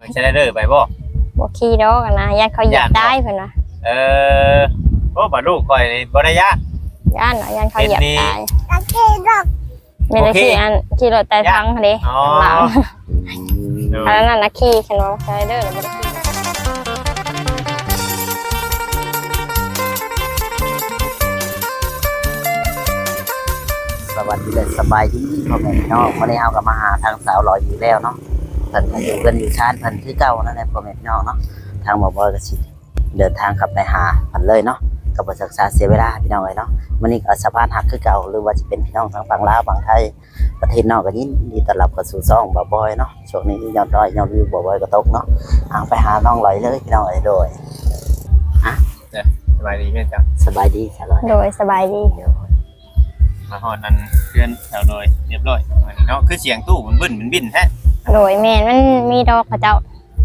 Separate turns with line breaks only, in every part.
มันจะได้เด้อไปบ่
บ่ขี่ดอกนะญาติเขาเหยียบได้เพิ่นว่า
โอ้บ่ลูกข่อยนี่บ่ได้ยะ
ญาติเนาะญาติเขาเหยียบได้ไม่ได้ขี่รถแต่ทั้งเด้หลังอันนั้นนะขี่ฉันว่าใช้เด้อแล้วบ่ได้ขี่
สวัสดีเลยสบายดีพ่อแม่พี่น้องวันนี้เอากับมาหาทางสาวหล่ออยู่แล้วเนาะเพิ่นก็อยู่กันอยู่ชานเพิ่นคือเก่านั่นแหละพ่อแม่พี่น้องเนาะทางหมอบอยก็สิเดินทางกลับไปหาเพิ่นเลยเนาะก็บ่ศึกษาเสียเวลาพี่น้องเลยเนาะมื้อนี้ก็สะพานหักคือเก่าหรือว่าสิเป็นพี่น้องทางฝั่งลาวฝั่งไทยประเทศนอกก็ยินดีต้อนรับเข้าสู่ช่องบ่บอยเนาะช่วงนี้ยอดวิวบ่บอยก็ตกเนาะเอาไปหาน้องหลอยเลยพี่น้องเอ้ยโดย
สบายดีแม่จ้ะ
สบายดีสบาย
โดยสบายดี
มาฮอดนั้นเพื่อนแถวโดยเรียบร้อยเนาะคือเสียงตู้มันบึ้นมันบินแท้
โดยแม่นมันมีดอกเขาเจ้า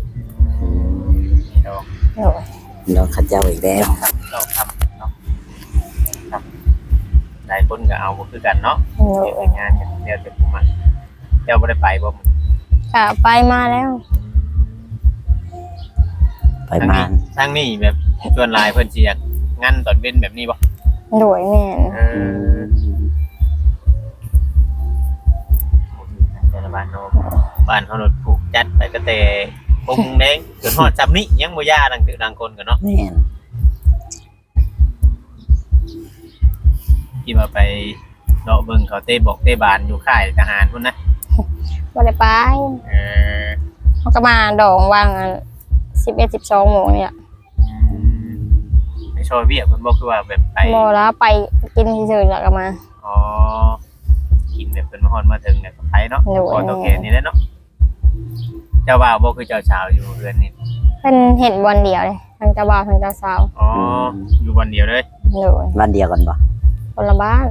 ดอก
โดย
ดอกขัดเจ้าอีกแล้ว
ดอกทำเนาะครับหลายคนก็เอาบ่คือกันเนาะเฮ็ดงานกันเดี๋ยวจะมาเจ้าบ่ได้ไปบ่
ค่ะไปมาแล้ว
ไปมา
ทางนี้แบบชวนหลายเพิ่นสิอยากงานตอนเว้นแบบนี้บ่
โดยแม่น
บ้านเขารถผูกจัดไปก็แต่ปงแดงจนฮอดจำนี้ยังบ่ย่าดังคนกันเนาะ
แม่น
ที่มาไปเลาะเบิ่งเขาเต้บอกเต้บานอยู่ค่ายทหารพุ่นนะ
บ่ได้ไปเขาก็มาดองวาง11-12 โมงเนี่ย
ไปช่วยเวียกเพิ่นบอกคือว่าแบบไป
บ่แล้วไปกินเฉยๆแล้วก็มา
อ๋อกินแบบเป็นมาฮอดมาถึงเนี่ยก็ไปเนาะพอโอเคนี่แหละเนาะเจ้าบ่าวบ่คือเจ้าสาวอยู่เรือนนี่
เพิ่นเห็นวันเดียวเลยทั้งเจ้าบ่าวทั้งเจ้าสาว
อ๋ออยู่วันเดียวเลย
โดย
วันเดียวกันบ่
คนละบ้าน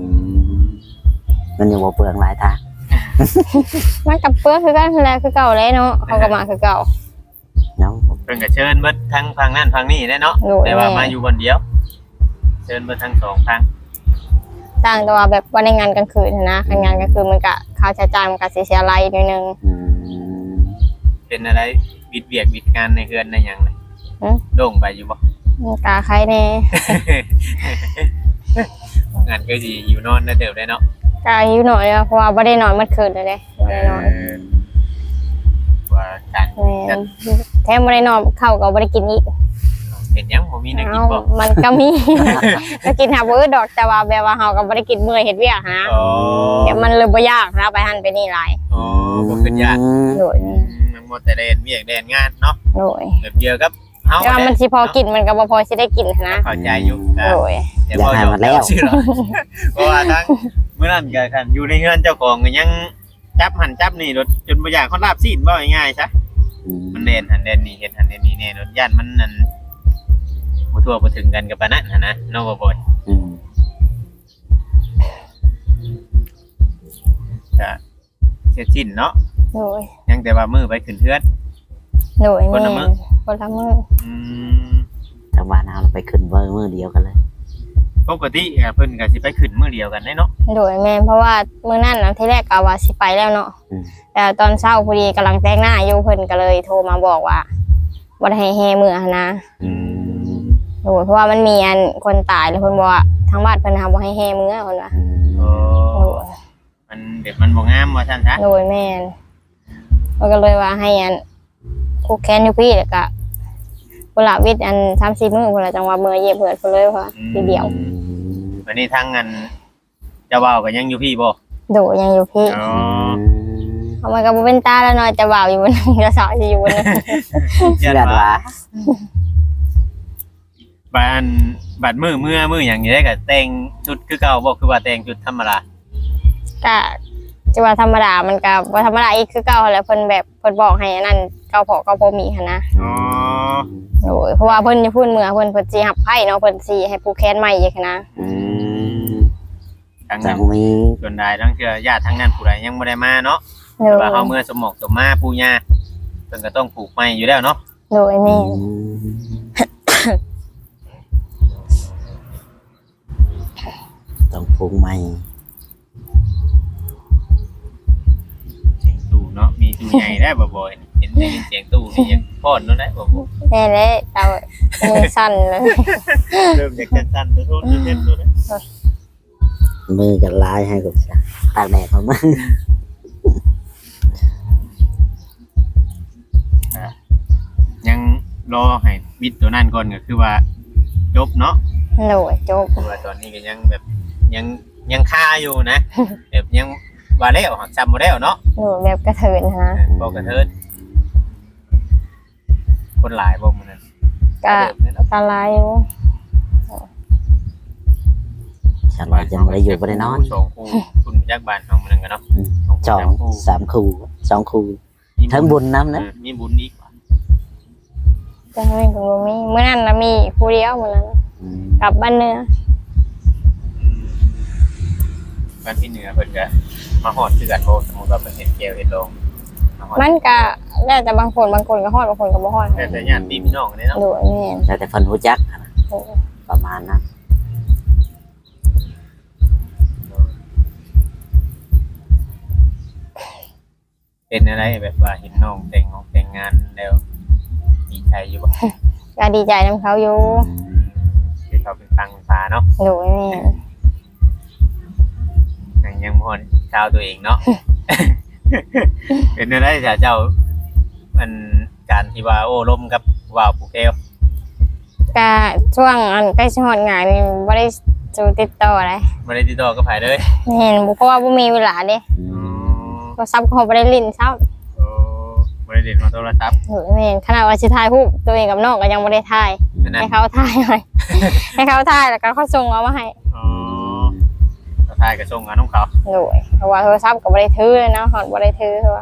มันอยู่บ่เปลืองหลายทาง
มันกับเปลือกคือกันแหละคือเก่าเลยเนาะเขาก็มาคือเก่า
เนาะ
เพิ่นก็เชิญเบิดทั้งฝั่งนั้นฝั่งนี้ได้เนาะแต่ว่ามาอยู่วันเดียวเชิญเบิดทั้ง2ฝั่ง
ต่างตัวแบบว่าในงานกลางคืนนะงานกลางคืนมันก็ค่าใช้จ่ายมันก็เสียรายนิดนึง
เป็นอะไรบิดเบียกบิดงานในเฮือนในหยังเลยโด่งไปอยู่บ่
กาใครแน่
งานก็สิอยู่นอนได้เติบได้เนาะ
กาอยู่หน่อยเพราะว่าบ่ได้นอนเมื่อคืนเลยเด้บ่ได้นอน
ว่าการ
แท้บ่ได้นอนข้าวก็บ่ได้กินอีก
เป็นยังบ่มีแนวกินบ่
มันก็มีก็กินหาบ่ดอกแต่ว่าแบบว่าเฮาก็บ่ได้กินเมื่อยเฮ็ดเวียกนะแต่มันเลยบ่ยากนะไปหั่นไปนี่หลาย
อ๋อบ่ขึ้นยาก
โดย
มันหมดแต่เล่นเวียกเล่นงานเนาะ
โดย
แบบเดียวกับเฮา
แต่มันสิพอกินมันก็บ่พอสิได้กินนะ
เข้าใจอยู่
โดย
แต่พออยู่แล้วเพราะว่าทั้งมื้อนั้นก็คันอยู่ในเฮือนเจ้าของก็ยังจับหั่นจับนี่รถจนบ่อยากคนลาบซีนบ่ง่ายๆซะมันเล่นหั่นเล่นนี่เฮ็ดหั่นเล่นนี่แน่รถย่านมันนั่นบ่ทั่วบ่ถึงกันกับปานนั้นนะเนาะบ่บ่อยก็เฮ็ดสิ้นเนาะ
โดย
ยังแต่ว่ามื้อไปขึ้นเฮือน
โดยคนละมื้อ
ทางบ้านเราไปขึ้นมื้อเดียวกันเลย
ปกติเพิ่นก็สิไปขึ้นมื้อเดียวกันเนาะ
โดยแม่เพราะว่ามื้อนั้นน่ะที่แรกก็ว่าสิไปแล้วเนาะแต่ตอนเช้าพอดีกำลังแต่งหน้าอยู่เพิ่นก็เลยโทรมาบอกว่าบ่ได้ให้แห่มื้อนะโอ้เพราะว่ามันมีอันคนตายแล้วเพิ่นบอกว่าทางบ้านเพิ่นทำบ่ให้แห่มื้อเพิ่นว่า
โอ้มันเด็กมันบ่งามว่าซั่นซะ
โดยแม่นมันก็เลยว่าให้อันคู่แค้นอยู่พี่แล้วก็พุ่นละวิทย์อัน 3-4 มื้อพุ่นละจังว่ามื้อเย็บเพิ่นเพิ่นเลยว่าทีเดียว
วันนี้ทางอันเจ้าบ่าวก็ยังอยู่พี่บ่
โดยยังอยู่พี่
อ๋อ
เอามันก็บ่เป็นตาแล้วเนาะเจ้าบ่าวอยู่บนนึงเจ้าสาวสิอยู่บนนึง
ยันว่า
บัดมืออย่างนี้ได้ก็แต่งชุดคือเก่าบ่คือว่าแต่งชุดธรรมดา
ก็จะว่าธรรมดามันก็บ่ธรรมดาอีกคือเก่าแหละเพิ่นแบบเพิ่นบอกให้อันนั้นเก่าพอมีหั่นนะ
อ๋อ
โอ้ยเพราะว่าเพิ่นจะพูดเมื่อเพิ่นสิรับไผเนาะเพิ่นสิให้ผู้แค้นใหม่อีกนะ
ทางนั้นมีส่วนใดทั้งเทื่อญาติทางนั้นผู้ใดยังบ่ได้มาเนาะแต่ว่าเฮาเมื่อสมหมอกสมมาปู่ย่าเพิ่นก็ต้องปลูกใหม่อยู่แล้วเนาะ
โดยแม่
ต้องปลูกใหม่
ตู้เนาะมีตู้ใหญ่ได้บ่อยเห็นได้ยินเสียงตู้นี่ยังพ่อนนั่นแหละผม
แน่เลยเรามือสั่นเลย
เริ่มจากสั้นๆโทษๆเล่นๆตัวนี้
มือกันลายให้กับตากแดดเขามา
ยังรอให้บิดตัวนั้นก่อนก็คือว่าจบเนาะ
โดยจบ
เพราะว่าตอนนี้ก็ยังแบบยังคาอยู่นะ แบบยังว่าแล้วหักจำบ่แล้วเนาะ
โดยแบบกระเทินนะ
บอกกระเทิดคนหลายบ่มื้อนั้น
ก็ตาลายอยู่
ฉันว่าจะไม่ได้อยู่ไม่ได้นอน
สองคู่คุณยักษ์บ้านเฮามื้อนั้นกันเนาะ
สองสามคู่สองคู่ทั้งบุญน้ำนะ
มีบุญอีก
จะไม่เป็นบ่มีเมื่อนั้นนะมีผู้เดียวเมื่อนั้นกลับบ้านเนื้อ
บ้านที่เหนือเพิ่นก็มาฮอดคือกันบ่สมมุติว่าเพิ่นเฮ็ดแก้วเฮ็ดโรงมาฮอด
มันก็แล้วแต่บางคนก็ฮอดบางคนก็บ่ฮอด
แต่ญาติพี่น้องนี่เนาะ
โดยแม่น
แล้วแต่คนรู้จักนะ
โดย
ประมาณนั้น
เป็นอะไรแบบว่าเห็นน้องแต่งงานแล้วดีใจอยู่บ่
ก็ดีใจนํเขาอยู่
คือเขาเป็นฟังฟ้าเนาะ
โดยแม่น
ยังบ่ฮอดชาวตัวเองเนาะ เป็นอะไรเจ้ามันการที่ว่าโอ้ล้มกับว่าวผูกแก้ว
ก็ช่วงอันใกล้สิฮอดงานนี่บ่ได้สู่ติดต่อเลย
บ่ได้ติดต่อกับไผเลย
เห็นเพราะว่าบ่มีเวลาเด้โทรศัพท์ก็บ่ได้ลิ้นเช้า
โอ้บ่ได้เล่นมาโทรศัพท์
โดยแม่นขนาดว่าสิถ่ายรูปตัวเองกับน้องก็ยังบ่ได้ถ่าย
อันนั้น
ให้เขาถ่ายให้ ให้เขาถ่ายแล้วก็เขาส่งเอามาให้
อ๋อก็ทายก็ส่งงานของเขา
โดยเพราะว่าโทรศัพท์ก็บ่ได้ถือเลยเนาะฮอดบ่ได้ถือเพราะว่า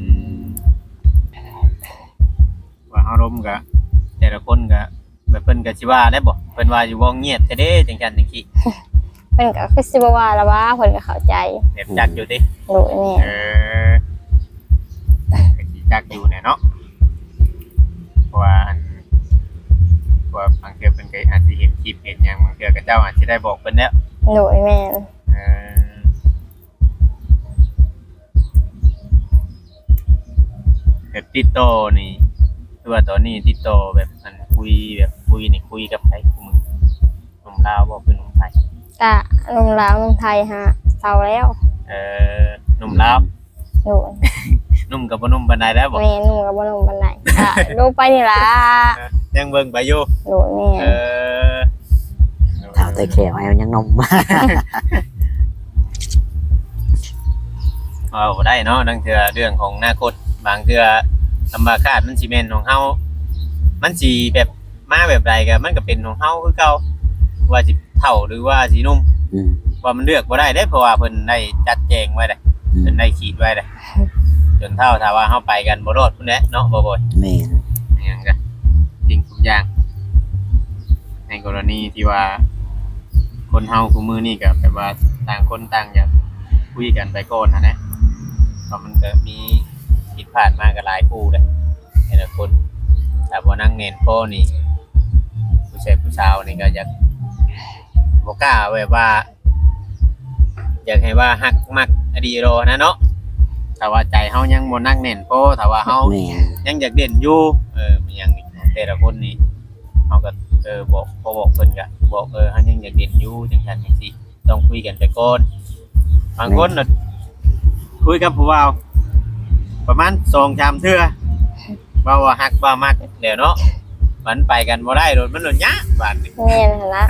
ว่าเฮาล้มก็แต่ละคนก็แบบเพิ่นก็สิว่าได้บ่เพิ่นว่าอยู่บ่เงียบแท้เด้จังซั่นจังซี่
เพิ่นก็คือสิบ่ว่าละว่าเพิ่นก็เข้าใจ
แบบจักอยู่ติ
โดยแม่
ก็สิจักอยู่แน่เนาะเพราะว่าบางเทื่อเพิ่นก็อาจสิเห็นคลิปเห็นหยังบางเทื่อก็เจ้าอาจสิได้บอกเพิ่นแล้ว
โดยแม่น
แบบติดต่อนี่คือว่าตอนนี้ติดต่อแบบอันคุยนี่คุยกับใครคุมือหนุ่มลาวบ่คือหนุ่มไทย
ก็หนุ่มลาวหนุ่มไทยฮะเฒ่าแล้ว
หนุ่มลาว
โดย
หนุ่มกับบ่หนุ่มปานใดแล้วบ่
แม่หนุ่มก็บ่หนุ่มปานใดก็ดูไปนี่ล่ะ
ยังเบิ่งไปอยู่
โดยแม่น
ถามแต่แขวเอายังนม
เอาบ่ได้เนาะนั่นคือเรื่องของอนาคตบางเทื่อธรรมชาติมันสิแม่นของเฮามันสิแบบมาแบบใดก็มันก็เป็นของเฮาคือเก่าว่าสิเฒ่าหรือว่าสิหนุ่มว่ามันเลือกบ่ได้เด้เพราะว่าเพิ่นได้จัดแจงไว้เด้เพิ่นได้ขีดไว้เด้จนเท่าถ้าว่าเฮาไปกันบ่รอดพุ่นแหละเนาะบ่บ่
แม่น
อหยังก็จริงทุกอย่างในกรณีที่ว่าคนเฮาคู่มือนี่ก็แบบว่าต่างคนต่างอยากคุยกันไปก่อนนะเพราะมันก็มีผิดพลาดมาก็หลายคู่เลยแต่ละคนแต่บ่นั่งเน้นพ่อนี่ผู้ชายผู้สาวนี่ก็อยากบ่กล้าแบบว่า อยากให้ว่าฮักมักอดีโรนะเนาะถ้าว่าใจเฮายังบ่นั่งเน้นพ่อถ้าว่าเฮา
แม่น
ยังอยากเด่นอยู่มันยังนี่แต่ละคนนี่เขาก็บอกพอบอกเพิ่นก็บอกเขายังอยากเด่นอยู่จังซั่นจังซี่ต้องคุยกันไปก่อนบางคนน่ะคุยกับผู้บ่าวประมาณ2-3เทื่อว่าฮักว่ามักแล้วเนาะมันไปกันบ่ได้โดนมันโดนยะบาดนี้
แม่นหั่นล่ะ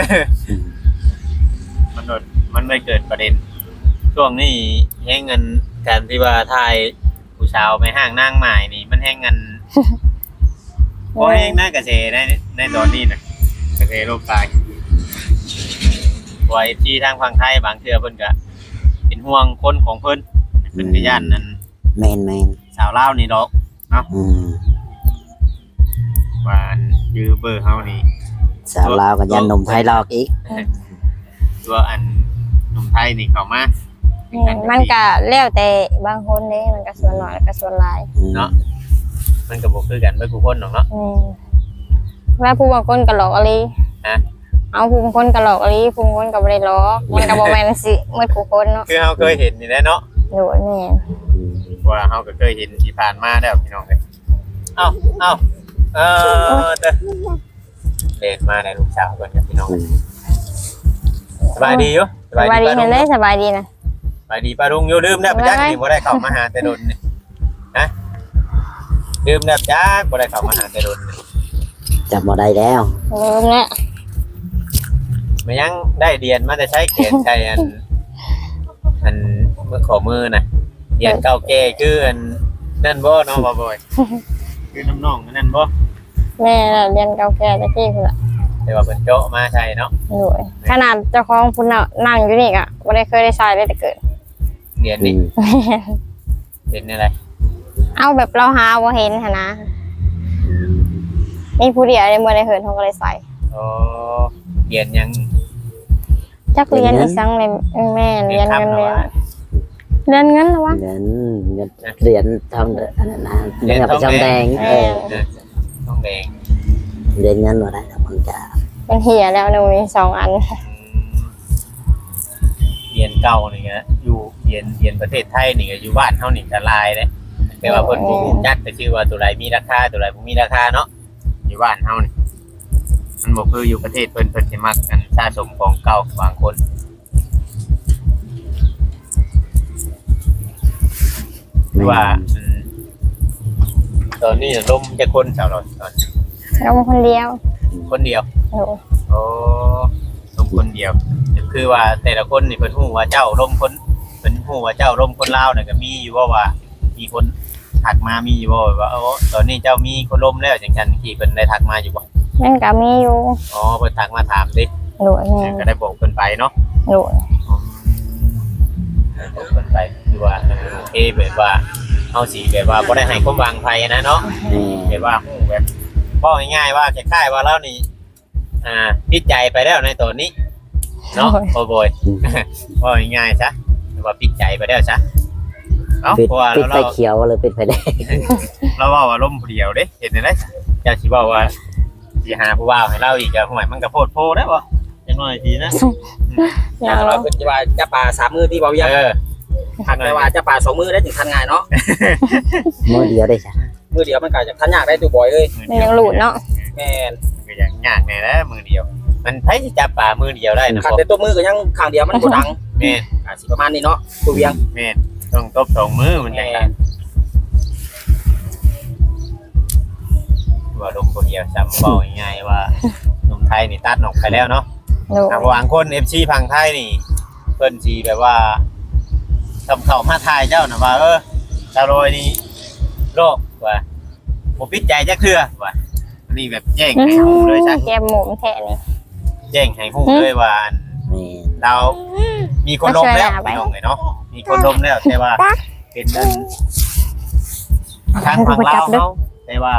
มันไม่เกิดประเด็นช่วงนี้แฮงเงินการที่ว่าทายผู้สาวไปห้างนางหมายนี่มันแฮงเงิน โอ้ยน่ากระเซในตอนนี้นะกระเซโลกตายไว้ที่ทางฝั่งไทยบางเทื่อเพิ่นก็เป็นห่วงคนของเพิ่นเพิ่นก็ย่านนั้น
แม่นแม่น
สาวลาวนี่ดอกว่ายื้อเบอร์เฮานี่
สาวลาวกับยันนมไทยหลอกอีก
ตัวอันหนุ่มไทยนี่เข้ามา
แม่นมันก็แล้วแต่บางคนเด้มันก็ส่วนน้อยแล้วก็ส่วนหลาย
เนาะมันก็บ่คือกันเบิดทุกคนหรอกเนาะ
ว่าผู้บางคนก็หลอกอะไร
ฮะ
เอาผู้บางคนก็หลอกอะไรผู้บางคนก็บ่ได้หลอกมันก็บ่แม่นสิหมดผู้คนเนาะ
คือเฮาเคยเห็นนี่แหละเนาะ
โดยแม่น
ว่าเฮาก็เคยเห็นที่ผ่านมาแล้วพี่น้องเอ้ยเอ้าเด้อเด็กมาในลูกสาวกันกับพี่น้องสบายดีอยู่
สบายดีเห็นได้สบายดีนะ
สบายดีป้าลุงอยู่ลืมแล้วป้าจักนี่บ่ได้เข้ามาหาแต่ดนนี่ฮะลืมแล้วจักบ่ได้เข้ามาหาแต่ดน
จำบ่ได้แล้ว
ลืมแล้ว
มันยังได้เรียนมาแต่ใช้เขียนใช้อันมือขอมือน่ะเรียนเก่าแก่คืออันนั่นบ่น้องบ่อยคือน้องๆนั่นบ่
แม่น่ะเรียนเก่าแก่ตะกี้พุ่นล่ะ
แต่ว่าเพิ่นโจมาใช่เนาะ
โอ้ยขนาดเจ้าของพุ่นน่ะนั่งอยู่นี่ก็บ่ได้เคยได้ใช้เลยแต่เกิด
เรียนนี่เรียนอะไร
เอาแบบเราหาบ่เห็นหั่นนะมีผู้เดียวได้บ่ได้เหินเขาก็เลยใส่
อ๋อเรียนยัง
จักเรียนอีสังเลยแม่เรียนเงินเรียนเรียนเงินแล้ววะ
เรียนทองอันนั้นนะเรียนประจำแดง
ต้องแดง
เรียนเงินบ่ได้แล้วมันจะ
เป็นเหียแล้วหนูมี2 อัน
เรียนเก่านี่ก็อยู่เรียนประเทศไทยนี่ก็อยู่บ้านเฮานี่จะลายเลยแต่ว่าเพิ่นบ่รู้จักแต่ชื่อว่าตัวใดมีราคาตัวใดบ่มีราคาเนาะอยู่บ้านเฮานี่มันบ่คืออยู่ประเทศเพิ่นสิมักกันสะสมของเก่าบางคนว่าตอนนี้ลมจะคนชาวเราตอน
เราคนเดียว
คนเดียว
โอ้
โอ้ลมคนเดียวคือว่าแต่ละคนนี่เพิ่นฮู้ว่าเจ้าลมคนเพิ่นฮู้ว่าเจ้าลมคนลาวน่ะก็มีอยู่ว่ามีคนทักมามีอยู่ว่าตอนนี้เจ้ามีคนลมแล้วจังซั่นที่เพิ่นได้ทักมาอยู่บ่
นั่นก็มีอยู่
อ๋อเพิ่นทักมาถามดิ
โดยแม่
ก็ได้บอกเพิ่นไปเนาะ
โดย
บอกเพิ่นไปคือว่าโอเคแบบว่าเฮาสิแบบว่าบ่ได้ให้ความหวังไผนะเนาะ แบบว่าฮู้แบบบอกง่ายๆว่าคล้ายๆว่าเรานี่ปิดใจไปแล้วในตอนนี้เนาะโอ้โบยบอกง่ายๆซะว่าปิดใจไปแล้วซะเอ้า
ปิด
เพราะว่า
ไฟ
เรา
เขียวหรือปิดไฟแดง
เราว่าว่าล้มผู้เดียวเด้เห็นได้จะสิบอกว่าสิหาผู้ว่าให้เราอีกก็ห่วยมันก็โพดโพได้บ่จังหน่อยทีนะ
อย่าง
เรา
เรา
คือว่าจะป่า3 มือที่เบาเยี่ยมหักแต่ว่าจะป่า2 มือได้ถึงทันง่ายเนาะ
มือเดียวได้จ้ะ
มือเดียวมันก็จะทันยากได้ตัวบ่อยเลย
มันยังหลุดเนาะ
แม่น
ก็อย่างยากแน่นะมือเดียว มันไผสิจับปลามือเดียวได้นะ
ขัด
บ่
แต่ตัวมือก็ยังข้างเดียวมันบ่ดัง
แม่น
สิประมาณนี้เนาะตัวเวียง
แม่นต้องตบ2มือมันจังกันว่าล้มผู้เดียวซ้ำบอกง่ายๆว่าหนุ่มไทยนี่ตัดออกไปแล้วเนาะ
โดย
บางคน FC พังไทยนี่เพิ่นสิแบบว่าทำเข้ามาทายเจ้าน่ะว่าตาโรยนี่โรคว่าบ่ปิดใจจักเทื่อว่าอันนี้แบบแจ้งให้ฮู้เลยซะ
แกมหมุนแค่นี้
แจ้งให้ฮู้เลยว่า
นี่
เรามีคนล้มแล้วพี่น้องเนาะมีคนล้มแล้วแต่ว่าเป็นนั่นทางฝั่งลาวเฮาแต่ว่า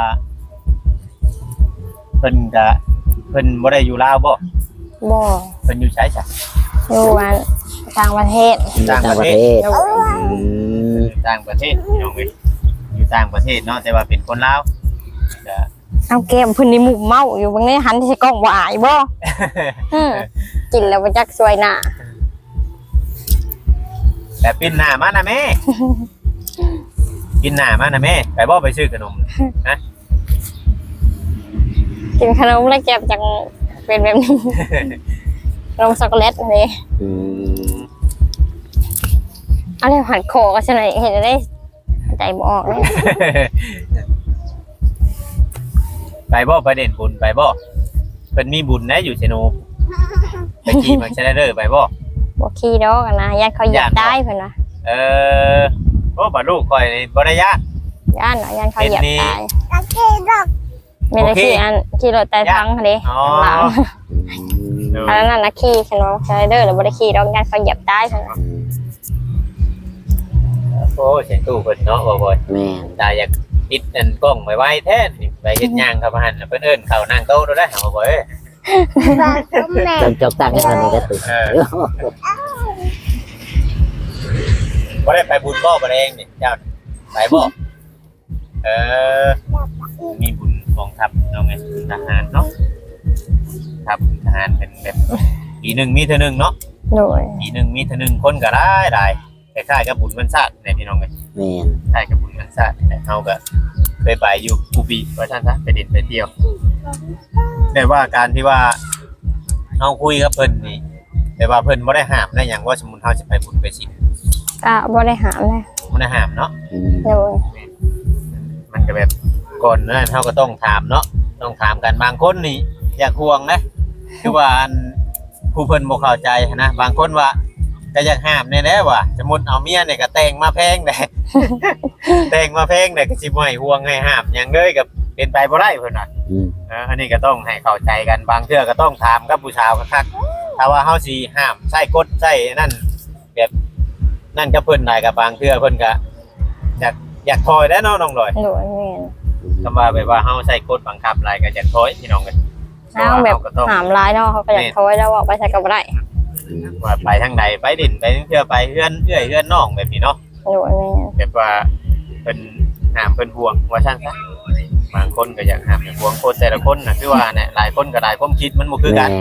เพิ่นบ่ได้อยู่ลาวบ่
บ่
เพิ่นอยู่ไสจ้ะ
อยู่อันต่างประเทศ
ต่างประเทศ
โดย
อยู่ต่างประเทศพี่น้องเอ้ยอยู่ต่างประเทศเนาะแต่ว่าเป็นคนลาวจะ
เอาแก้มเพิ่นนี่หมุกเมาอยู่บางนี้หันที่กล้องบ่อายบ่กินแล้วบ่จักสวยหน้า
แต่ปิ้นหน้ามานะแม่ กินหน้ามานะแม่ไปบ่ไปซื้อขนมนะ
กินขนมแล้วแก้มจังเป็นแบบนี้ขนมช็อกโกแลตนี่ อะไรหันคอก็ชนะเห็นได้ใจบ่ออกเลย
ไปบ่ไปเด่นบุญไปบ่เพิ่นมีบุญนะอยู่เชโนไปขี่มาเชนเดอร์ไปบ่
บ่ขี้ดอกอะนะญาติเขาเหยียบได้เพิ่นว่า
โอ้บ่ลูกข่อยนี่บ่ได้ยาก
ญาติเนาะญาติเขาเหยียบ
เป็นนี่
ตายไม่ได้ขี่อันขี่รถไต่ทังเด้
อ๋อ
หลังอันนั้นน่ะขี่ฉันว่าสไลเดอร์แล้วบ่ได้ขี่ดอกญาติเขาเหยียบได้เพิ่นว่า
โอ้เสียงตู้เพิ่นเนาะบ่อย
แม่น
ตาอยากปิดอันกล้องไว้ไว้แท้นี่ไปเฮ็ดหยังครับหั่นน่ะเพิ่นเอิ้นเข้านั่งโต๊ะได้หาบ่เอ้ย
ต้องจบตั้งให้คนนี้ก็ตื่น
บ่ได้ไปบุญบ่บ่ได้เองนี่เจ้าไปบ่มีบุญกองทัพเนาะไงทหารเนาะครับทหารเป็นแบบปีหนึงมีเท่านึงเนาะ
โดย
ปีหนึงมีเท่านึงคนก็ได้คล้ายๆกับบุญวันศาสตร์เนี่ยพี่น้องเอ้ย
แม่น
คล้ายกับบุญวันศาสตร์แต่เฮาก็เคไปอยู่กูบีว่าท่านซะไปดินไปเที่ยวแต่ว่าการที่ว่าเฮาคุยกับเพิ่นนี่แต่ว่าเพิ่นบ่ได้ห้ามได้หยังว่าสมมุติเฮาสิไปบุญไปศีล
ก็บ่ได้หามเลย
บ่ได้ห้ามเนาะ
โดย
มันก็แบบก่อนนั้นเขาก็ต้องถามเนาะต้องถามกันบางคนนี่อยากห่วงนะคือว่าอันผู้เพิ่นบ่เข้าใจนะบางคนว่าก็อยากห้ามแน่ๆว่าสมมุติเอาเมียเนี่ยก็แต่งมาแพงได้ แต่งมาแพงได้ก็สิบ่ให้ห่วงให้ห้ามหยังเลยก็เป็นไปบ่ได้เพิ่นว่าอันนี้ก็ต้องให้เข้าใจกันบางเทื่อก็ต้องถามกับผู้ชาวคักๆถ้าว่าเฮาสิห้ามใส่กฎใส่นั่นแบบนั่นก็เพิ่นได้ก็บางเทื่อเพิ่นก็อยากถอยแล้วเนาะน้องลอย
โดยแม่น
คำว่าแบบว่าเฮาใส่กฎบังคับอะไรก็จะถอยพี่น้องกัน
เอาแบบหามร้ายเนาะเขาก็อยากโทยแล้วว่าไปใส่กับบ่ได้
ว่าไปทางใดไปดินไปเที่ยวไปเฮือนเอื้อยเฮือนน้องแบบนี้เนาะ
โดยแม่น
แบบว่าเพิ่นห้ามเพิ่นห่วงว่าซั่นซะบางคนก็อยากห้ามอยากห่วงคนแต่ละคนน่ะคือว่าเนี่ยหลายคนก็หลายความคิดมันบ่คือกัน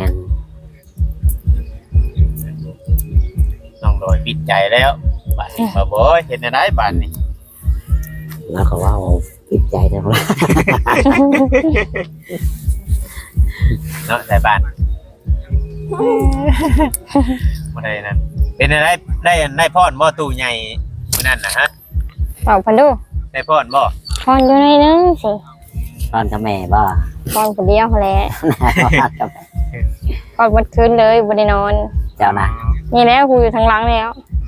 น้องโดยปิดใจแล้วบาดนี้บ่บ่เฮ็ดได้บาดนี้
แล้วก็ว่าปิดใจทั้งนั้น
เนาะแต่บ้านบ่ได้นั่นเป็นได้พรบ่ตู้ใหญ่มื้อนั้นน่ะฮะ
บอกเพิ่นดู
ได้พรบ่
พอนอยู่ในนึงสิ
ตอนกับแม่บ่
พอนผู้เดียวแหละ
กับแม่
พอนหมดคืนเลยบ่ได้นอน
เจ้านะ
นี่แล้วกูอยู่ทางหลังแล้ว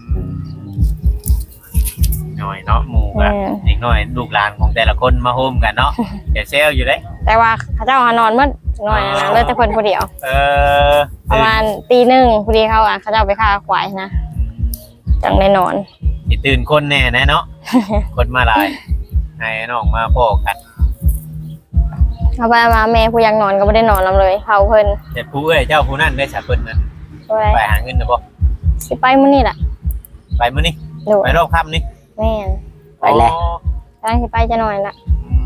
หน่อยเนาะหมู่ก็อีกหน่อยลูกหลานของแต่ละคนมาโฮมกันเนาะเดี๋ยวเซลอยู่เด้
แต่ว่าเขาเจ้าหานอนหมดหน่อยนะเหลยแต่เพิ่นผู้เดียว
เออ
ประมาณตีหนึ่งพอดีเขาเจ้าไปฆ่าควายนะจังได้นอน
สิตื่นคนแน่นะเนาะ คนมาหลายให้น้องมาพ่อกัน
เอาไปมาแม่ผู้ยังนอนก็ไม่ได้นอนลำเลยเขาเพิ่น
แต่ผู้เอ้ยเจ้าผู้นั้นได้สะเพิ่นนั่น
ด้วย
ไปหาเงินนะบ่
สิไปมื้อนี้ล่ะ
ไปมื้อนี้
ดู
ไปรอบค่ำนี่
แม่น
ไปแล้ว
อ๋อก
ำลังสิไปจะนอนละ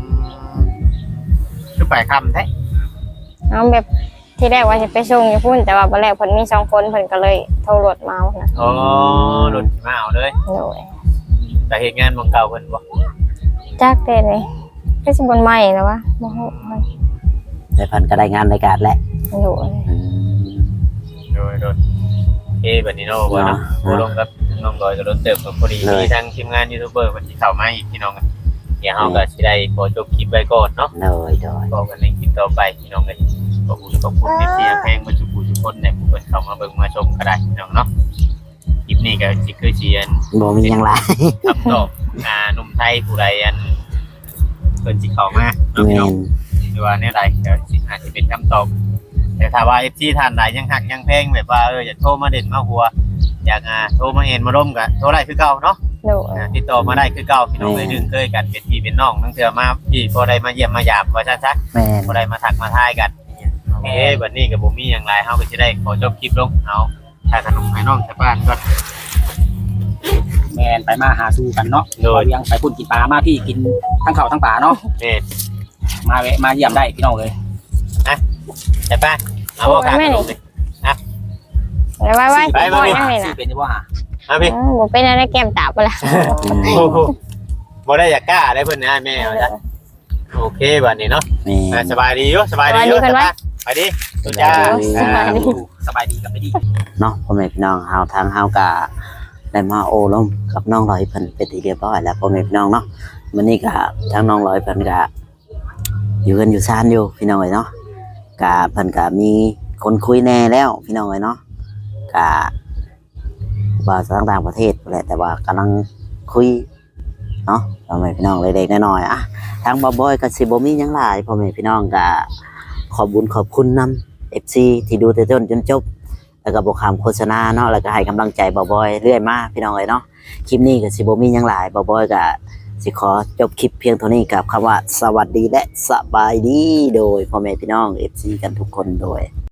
คือไปค่ำแท้
เอาแบบที่แรกว่าจะไปส่งอยู่พุ่นแต่ว่าบัดแรกเพิ่นมี2คนเพิ่นก็เลยโทรรถมานะ
อ๋อรถมาเอาเลย
โดย
แต่เหตุงานของเก่าเพิ่นบ่
จักเด้นี่คือสิบ่ใหม่แล้ววะบ่ฮู้มัน
แต่เพันก็ได้งานรายการแหละ
โดย
โดยบัดนี้เนาะบ่เนาะบ่ลงกับน้องดอยก็รถเติบกับพอดีมีทางทีมงานยูทูบเบอร์เพิ่นสิเข้ามาอีกพี่น้องกันเดี๋ยวเฮาก็สิได้ขอจบคลิปไว้ก่อนเนาะ
โดย
บอกกันในคลิปต่อไปพี่น้องเลยขอบคุณที่เสียแพงมาจุกุทุกคนในผู้คนเข้ามาเบิ่งมาชมก็ได้พี่น้องเนาะคลิปนี้ก็สิคือเชียน
บ่มีหยังหลาย
คำตอบหนุ่มไทยผู้ใดอันเพิ่นสิเข้ามาเนาะพี่
แม่
น้อง
น
หรือว่าเนี่ยใดก็สิอาจจะเป็นคำตอบแต่ถ้าว่า FC ท่านใดยังหักยังแพงแบบว่าอยากโทรมาเด่นมาหัวอยากโทรมาเห็นมาร่วมกันโทรได้คือเก่าเนาะ
โดย
ติดต่อมาได้คือเก่าพี่น้องเลยดึงเคยกันเป็นพี่เป็นน้องทั้งเทื่อมาพี่พอได้มาเยี่ยมมาหยาบว่าซั่น
แม่น
บ่ได้มาทักมาทายกันบัดนี้ก็บ่มีหยังหลายเฮาก็สิได้ขอจบคลิปลงเอาถ้าขนมให้น้องชาวบ้านก่อน
แมนไปมาหาสู่กันเนาะ
โดย
ยังไปพุ่นกินปลามาพี่กินทั้งข้าวทั้งปลาเนาะ
นี่
มาแวะมาเยี่ยมได้พี่น้องเลย
ใช่ป่ะเอาบ่ครับขนมดิ
ไว้
ไป
บ่
มา
ยังนี่
สิ
น่ะ
เป็นจังว่า
เอาพี่
บ่เป็นอะไรแก้มตาบ่ล่ะ
บ่ได้อยากกล้าได้เพิ่นนะแม่ว่าจ้ะโอเคบัดนี้เนาะ
แม่น
สบายดีอยู่สบายดีอยู่ไปดิสุดจ้า
สบายดีกับไม่ดี
เนาะพ่อแม่พี่น้องเฮาทางเฮาก็ได้มาโอ้ลมกับน้องลอยเพิ่นเป็นที่เรียบร้อยแล้วพ่อแม่พี่น้องเนาะมื้อนี้ก็ทางน้องลอยเพิ่นก็อยู่กันอยู่ซ่านอยู่พี่น้องเอ้ยเนาะก็เพิ่นก็มีคนคุยแน่แล้วพี่น้องเอ้ยเนาะก็ว่าต่างประเทศแหละแต่ว่ากำลังคุยเนาะพ่อแม่พี่น้องเล็กๆน้อยๆอ่ะทางบ่บอยก็สิบ่มีหยังหลายพ่อแม่พี่น้องก็ขอบคุญขอบคุณนำ FC ที่ดูแต่ต้นจนจบแล้วก็บอกคำโฆษณาเนาะแล้วก็ให้กำลังใจบ่บอยเรื่อยมาพี่น้องเอ้ยเนาะคลิปนี้ก็สิบ่มีหยังหลายบ่บอยก็สิขอจบคลิปเพียงเท่านี้กับคำว่าสวัสดีและสบายดีโดยพ่อแม่พี่น้อง FC กันทุกคนโดย